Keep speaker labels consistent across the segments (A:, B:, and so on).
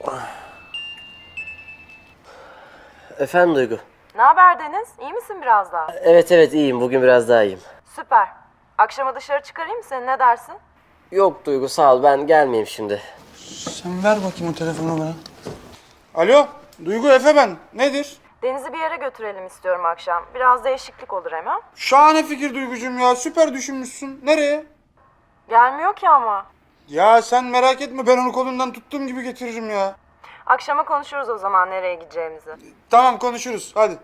A: Efendim Duygu?
B: Ne haber Deniz? İyi misin biraz daha?
A: Evet iyiyim. Bugün biraz daha iyiyim.
B: Süper. Akşama dışarı çıkarayım mı seni, ne dersin?
A: Yok Duygu sağ ol. Ben gelmeyeyim şimdi.
C: Sen ver bakayım o telefonu bana. Alo, Duygu Efe ben. Nedir?
B: Deniz'i bir yere götürelim istiyorum akşam. Biraz değişiklik olur hem.
C: Şahane fikir Duygucuğum ya. Süper düşünmüşsün. Nereye?
B: Gelmiyor ki ama.
C: Ya sen merak etme, ben onu kolundan tuttuğum gibi getiririm ya.
B: Akşama konuşuruz o zaman nereye gideceğimizi.
C: Tamam, konuşuruz. Hadi.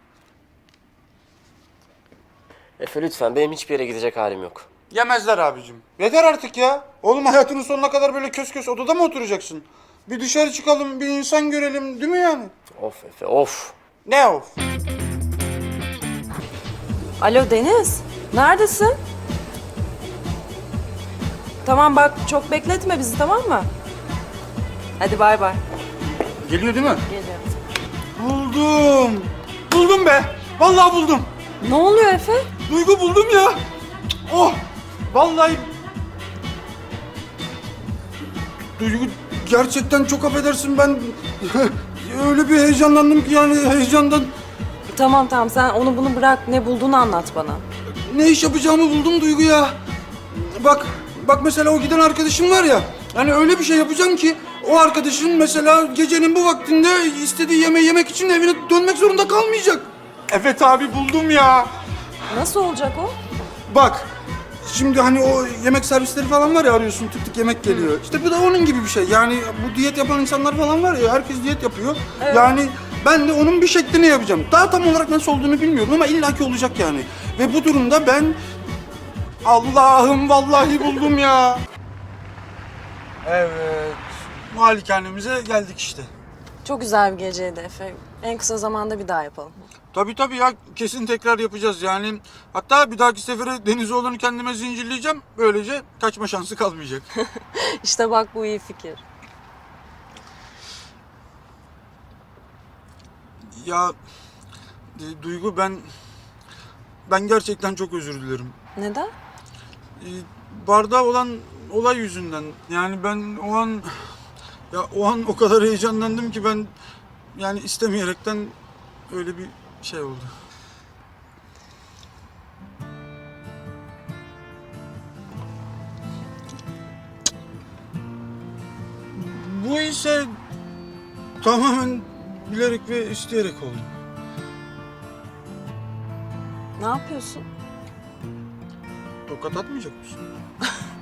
A: Efe lütfen, benim hiçbir yere gidecek halim yok.
C: Yemezler abicim. Yeter artık ya. Oğlum hayatının sonuna kadar böyle kös kös odada mı oturacaksın? Bir dışarı çıkalım, bir insan görelim, değil mi yani?
A: Of Efe of.
C: Ne of?
B: Alo Deniz, neredesin? Tamam bak, çok bekletme bizi, tamam mı? Hadi bay bay.
C: Geliyor değil mi?
B: Geliyorum.
C: Buldum. Buldum be. Vallahi buldum.
B: Ne oluyor Efe?
C: Duygu buldum ya. Oh. Vallahi. Duygu gerçekten çok affedersin, ben öyle bir heyecanlandım ki yani heyecandan
B: Tamam sen onu bunu bırak, ne bulduğunu anlat bana.
C: ne iş yapacağımı buldum Duygu ya. Bak mesela o giden arkadaşım var ya. Hani öyle bir şey yapacağım ki o arkadaşın mesela gecenin bu vaktinde istediği yemeği yemek için evine dönmek zorunda kalmayacak. Evet abi, buldum ya.
B: Nasıl olacak o?
C: Bak, şimdi hani o yemek servisleri falan var ya, arıyorsun tık tık yemek geliyor. İşte bu da onun gibi bir şey. Yani bu diyet yapan insanlar falan var ya, herkes diyet yapıyor.
B: Evet.
C: Yani ben de onun bir şeklini yapacağım. Daha tam olarak nasıl olduğunu bilmiyorum ama illaki olacak yani. Ve bu durumda ben... Allah'ım vallahi buldum ya. Evet, malikanemize geldik işte.
B: Çok güzel bir geceydi Efe. En kısa zamanda bir daha yapalım.
C: Tabii ya, kesin tekrar yapacağız yani. Hatta bir dahaki sefere Denizoğlu'nu kendime zincirleyeceğim. Böylece kaçma şansı kalmayacak.
B: İşte bak, bu iyi fikir.
C: Ya Duygu, ben gerçekten çok özür dilerim.
B: Neden?
C: Barda olan olay yüzünden. Yani ben o an o kadar heyecanlandım ki ben yani istemeyerekten öyle bir şey oldu. Bu ise tamamen bilerek ve isteyerek oldu.
B: Ne yapıyorsun?
C: Tokat atmayacak mısın?